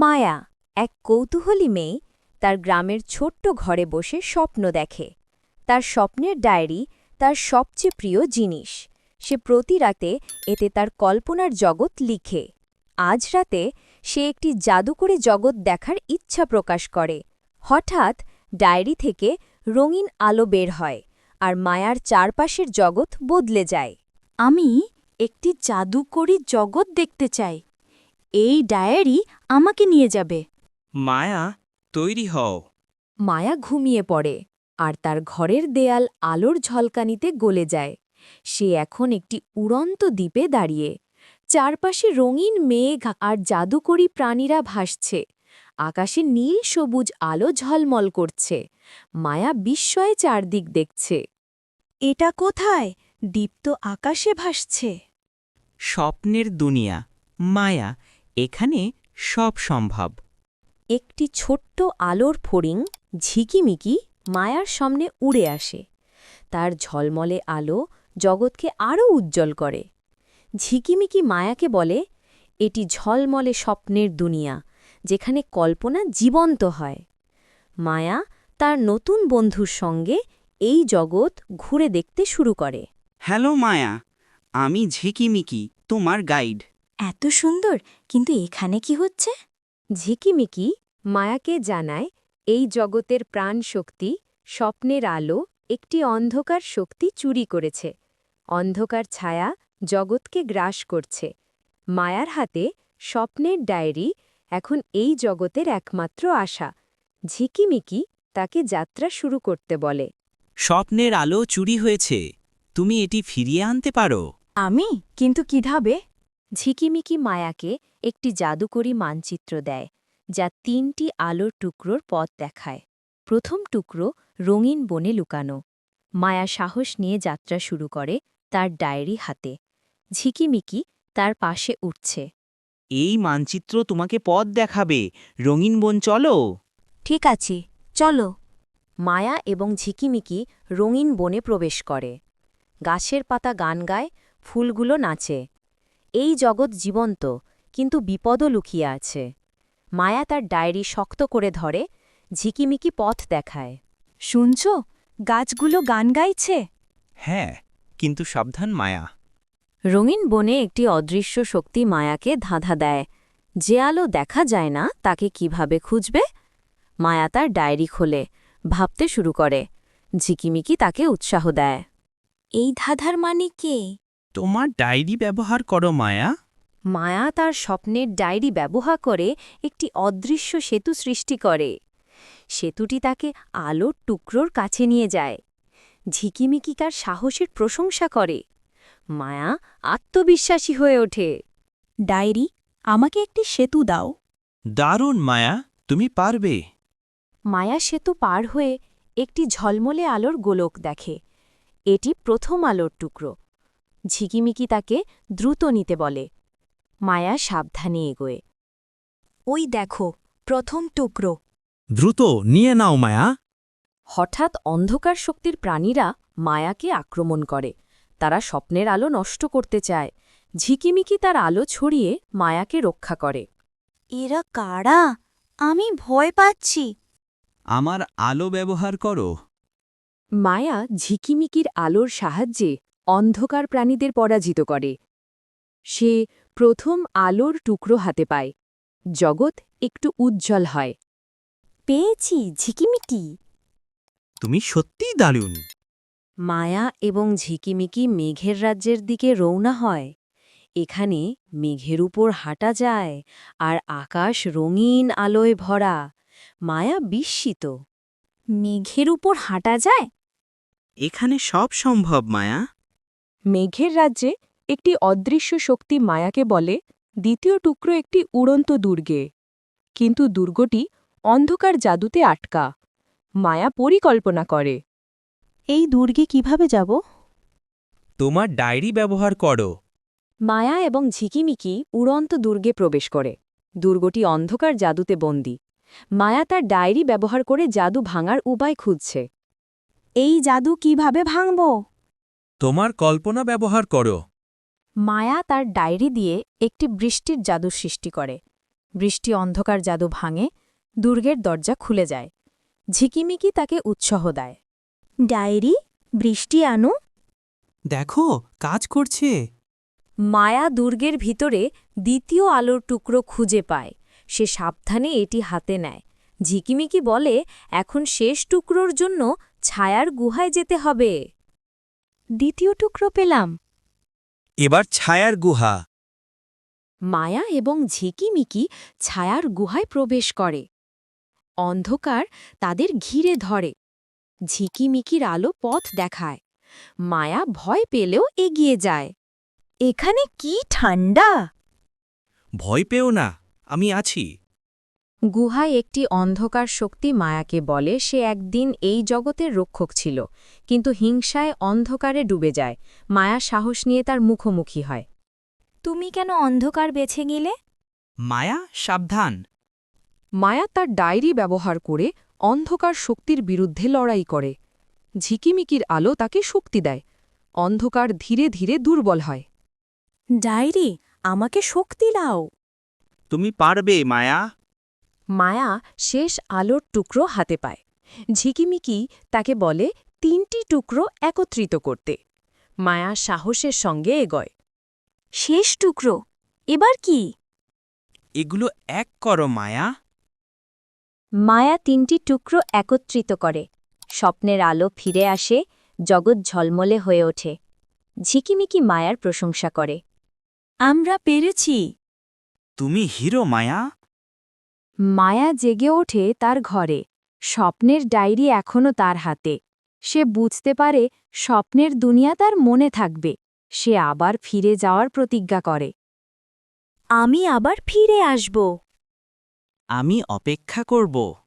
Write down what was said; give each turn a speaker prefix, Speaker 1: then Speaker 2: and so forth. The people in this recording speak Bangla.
Speaker 1: মায়া এক কৌতূহলী মেয়ে তার গ্রামের ছোট্ট ঘরে বসে স্বপ্ন দেখে। তার স্বপ্নের ডায়েরি তার সবচেয়ে প্রিয় জিনিস। সে প্রতি রাতে এতে তার কল্পনার জগৎ লিখে। আজ রাতে সে একটি জাদুকরী জগৎ দেখার ইচ্ছা প্রকাশ করে। হঠাৎ ডায়েরি থেকে রঙিন আলো বের হয়, আর মায়ার চারপাশের জগৎ বদলে যায়।
Speaker 2: আমি একটি জাদুকরী জগৎ দেখতে চাই। এই ডায়েরি আমাকে নিয়ে যাবে।
Speaker 3: মায়া, তৈরি হও।
Speaker 1: মায়া ঘুমিয়ে পড়ে, আর তার ঘরের দেয়াল আলোর ঝলকানিতে গলে যায়। সে এখন একটি উড়ন্ত দ্বীপে দাঁড়িয়ে। চারপাশে রঙিন মেঘ আর জাদুকরী প্রাণীরা ভাসছে। আকাশে নীল সবুজ আলো ঝলমল করছে। মায়া বিস্ময়ে চারদিক দেখছে।
Speaker 2: এটা কোথায়? দীপ্ত আকাশে ভাসছে।
Speaker 3: স্বপ্নের দুনিয়া, মায়া, এখানে সব সম্ভব।
Speaker 1: একটি ছোট্ট আলোর ফড়িং ঝিকিমিকি মায়ার সামনে উড়ে আসে। তার ঝলমলে আলো জগৎকে আরও উজ্জ্বল করে। ঝিকিমিকি মায়াকে বলে, এটি ঝলমলে স্বপ্নের দুনিয়া, যেখানে কল্পনা জীবন্ত হয়। মায়া তার নতুন বন্ধুর সঙ্গে এই জগৎ ঘুরে দেখতে শুরু করে।
Speaker 3: হ্যালো মায়া, আমি ঝিকিমিকি, তোমার গাইড।
Speaker 2: এত সুন্দর, কিন্তু এখানে কি হচ্ছে?
Speaker 1: ঝিকিমিকি মায়াকে জানায়, এই জগতের প্রাণ শক্তি, স্বপ্নের আলো একটি অন্ধকার শক্তি চুরি করেছে। অন্ধকার ছায়া জগৎকে গ্রাস করছে। মায়ার হাতে স্বপ্নের ডায়েরি এখন এই জগতের একমাত্র আশা। ঝিকিমিকি তাকে যাত্রা শুরু করতে বলে।
Speaker 3: স্বপ্নের আলো চুরি হয়েছে, তুমি এটি ফিরিয়ে আনতে পারো।
Speaker 2: আমি? কিন্তু কিভাবে?
Speaker 1: ঝিকিমিকি মায়াকে একটি জাদুকরী মানচিত্র দেয়, যা ৩টি আলোর টুকরোর পথ দেখায়। প্রথম টুকরো রঙিন বনে লুকানো। মায়া সাহস নিয়ে যাত্রা শুরু করে, তার ডায়েরি হাতে। ঝিকিমিকি তার পাশে উঠছে।
Speaker 3: এই মানচিত্র তোমাকে পথ দেখাবে। রঙিন বন চলো।
Speaker 2: ঠিক আছে, চলো।
Speaker 1: মায়া এবং ঝিকিমিকি রঙিন বনে প্রবেশ করে। গাছের পাতা গান গায়, ফুলগুলো নাচে। এই জগৎ জীবন্ত, কিন্তু বিপদও লুকিয়ে আছে। মায়া তার ডায়েরি শক্ত করে ধরে, ঝিকিমিকি পথ দেখায়।
Speaker 2: শুনছ? গাছগুলো গান গাইছে।
Speaker 3: হ্যাঁ, কিন্তু সাবধান মায়া।
Speaker 1: রঙিন বনে একটি অদৃশ্য শক্তি মায়াকে ধাঁধা দেয়। যে আলো দেখা যায় না, তাকে কিভাবে খুঁজবে? মায়া তার ডায়েরি খোলে, ভাবতে শুরু করে। ঝিকিমিকি তাকে উৎসাহ দেয়।
Speaker 2: এই ধাঁধার মানে কে?
Speaker 3: তোমার ডায়েরি ব্যবহার করো মায়া।
Speaker 1: মায়া তার স্বপ্নের ডায়েরি ব্যবহার করে একটি অদৃশ্য সেতু সৃষ্টি করে। সেতুটি তাকে আলোর টুকরোর কাছে নিয়ে যায়। ঝিকিমিকি তার সাহসের প্রশংসা করে। মায়া আত্মবিশ্বাসী হয়ে ওঠে।
Speaker 2: ডায়েরি, আমাকে একটি সেতু দাও।
Speaker 3: দারুণ মায়া, তুমি পারবে।
Speaker 1: মায়া সেতু পার হয়ে একটি ঝলমলে আলোর গোলক দেখে। এটি প্রথম আলোর টুকরো। ঝিকিমিকি তাকে দ্রুত নিতে বলে। মায়া সাবধানে এগোয়।
Speaker 2: ওই দেখো, প্রথম টুকরো।
Speaker 4: দ্রুত নিয়ে নাও মায়া।
Speaker 1: হঠাৎ অন্ধকার শক্তির প্রাণীরা মায়াকে আক্রমণ করে। তারা স্বপ্নের আলো নষ্ট করতে চায়। ঝিকিমিকি তার আলো ছড়িয়ে মায়াকে রক্ষা করে।
Speaker 2: এরা কারা? আমি ভয় পাচ্ছি।
Speaker 3: আমার আলো ব্যবহার করো।
Speaker 1: মায়া ঝিকিমিকির আলোর সাহায্যে অন্ধকার প্রাণীদের পরাজিত করে। সে প্রথম আলোর টুকরো হাতে পায়। জগৎ একটু উজ্জ্বল হয়।
Speaker 2: পেয়েছি ঝিকিমিকি।
Speaker 4: তুমি সত্যিই দারুণ।
Speaker 1: মায়া এবং ঝিকিমিকি মেঘের রাজ্যের দিকে রওনা হয়। এখানে মেঘের উপর হাঁটা যায়, আর আকাশ রঙিন আলোয় ভরা। মায়া বিস্মিত।
Speaker 2: মেঘের উপর হাঁটা যায়?
Speaker 3: এখানে সব সম্ভব মায়া।
Speaker 1: মেঘের রাজ্যে একটি অদৃশ্য শক্তি মায়াকে বলে, দ্বিতীয় টুকরো একটি উড়ন্ত দুর্গে। কিন্তু দুর্গটি অন্ধকার জাদুতে আটকা। মায়া পরিকল্পনা করে।
Speaker 2: এই দুর্গে কিভাবে যাব?
Speaker 4: তোমার ডায়েরি ব্যবহার করো।
Speaker 1: মায়া এবং ঝিকিমিকি উড়ন্ত দুর্গে প্রবেশ করে। দুর্গটি অন্ধকার জাদুতে বন্দী। মায়া তার ডায়েরি ব্যবহার করে জাদু ভাঙার উপায় খুঁজছে।
Speaker 2: এই জাদু কিভাবে ভাঙব?
Speaker 4: তোমার কল্পনা ব্যবহার করো।
Speaker 1: মায়া তার ডায়েরি দিয়ে একটি বৃষ্টির জাদু সৃষ্টি করে। বৃষ্টি অন্ধকার জাদু ভাঙে, দুর্গের দরজা খুলে যায়। ঝিকিমিকি তাকে উৎসাহ দেয়।
Speaker 2: ডায়েরি, বৃষ্টি আনো।
Speaker 4: দেখো কাজ করছে।
Speaker 1: মায়া দুর্গের ভিতরে দ্বিতীয় আলোর টুকরো খুঁজে পায়। সে সাবধানে এটি হাতে নেয়। ঝিকিমিকি বলে, এখন শেষ টুকরোর জন্য ছায়ার গুহায় যেতে হবে।
Speaker 2: দ্বিতীয় টুকরো পেলাম।
Speaker 4: এবার ছায়ার গুহা।
Speaker 1: মায়া এবং ঝিকিমিকি ছায়ার গুহায় প্রবেশ করে। অন্ধকার তাদের ঘিরে ধরে। ঝিকিমিকির আলো পথ দেখায়। মায়া ভয় পেলেও এগিয়ে যায়।
Speaker 2: এখানে কি ঠান্ডা!
Speaker 4: ভয় পেও না, আমি আছি।
Speaker 1: গুহায় একটি অন্ধকার শক্তি মায়াকে বলে সে একদিন এই জগতের রক্ষক ছিল, কিন্তু হিংসায় অন্ধকারে ডুবে যায়। মায়া সাহস নিয়ে তার মুখোমুখি হয়।
Speaker 2: তুমি কেন অন্ধকার বেছে নিলে?
Speaker 3: মায়া, সাবধান।
Speaker 1: মায়া তার ডায়েরি ব্যবহার করে অন্ধকার শক্তির বিরুদ্ধে লড়াই করে। ঝিকিমিকির আলো তাকে শক্তি দেয়। অন্ধকার ধীরে ধীরে দুর্বল হয়।
Speaker 2: ডায়েরি, আমাকে শক্তি দাও।
Speaker 3: তুমি পারবে মায়া।
Speaker 1: মায়া শেষ আলোর টুকরো হাতে পায়। ঝিকিমিকি তাকে বলে 3টি টুকরো একত্রিত করতে। মায়া সাহসের সঙ্গে এগোয়।
Speaker 2: শেষ টুকরো, এবার কি?
Speaker 3: এগুলো এক করো মায়া।
Speaker 1: মায়া 3টি টুকরো একত্রিত করে। স্বপ্নের আলো ফিরে আসে, জগৎ ঝলমলে হয়ে ওঠে। ঝিকিমিকি মায়ার প্রশংসা করে।
Speaker 2: আমরা পেরেছি।
Speaker 3: তুমি হিরো মায়া।
Speaker 1: মায়া জেগে ওঠে তার ঘরে। স্বপ্নের ডায়েরি এখনও তার হাতে। সে বুঝতে পারে স্বপ্নের দুনিয়া তার মনে থাকবে। সে আবার ফিরে যাওয়ার প্রতিজ্ঞা করে।
Speaker 2: আমি আবার ফিরে আসব।
Speaker 3: আমি অপেক্ষা করব।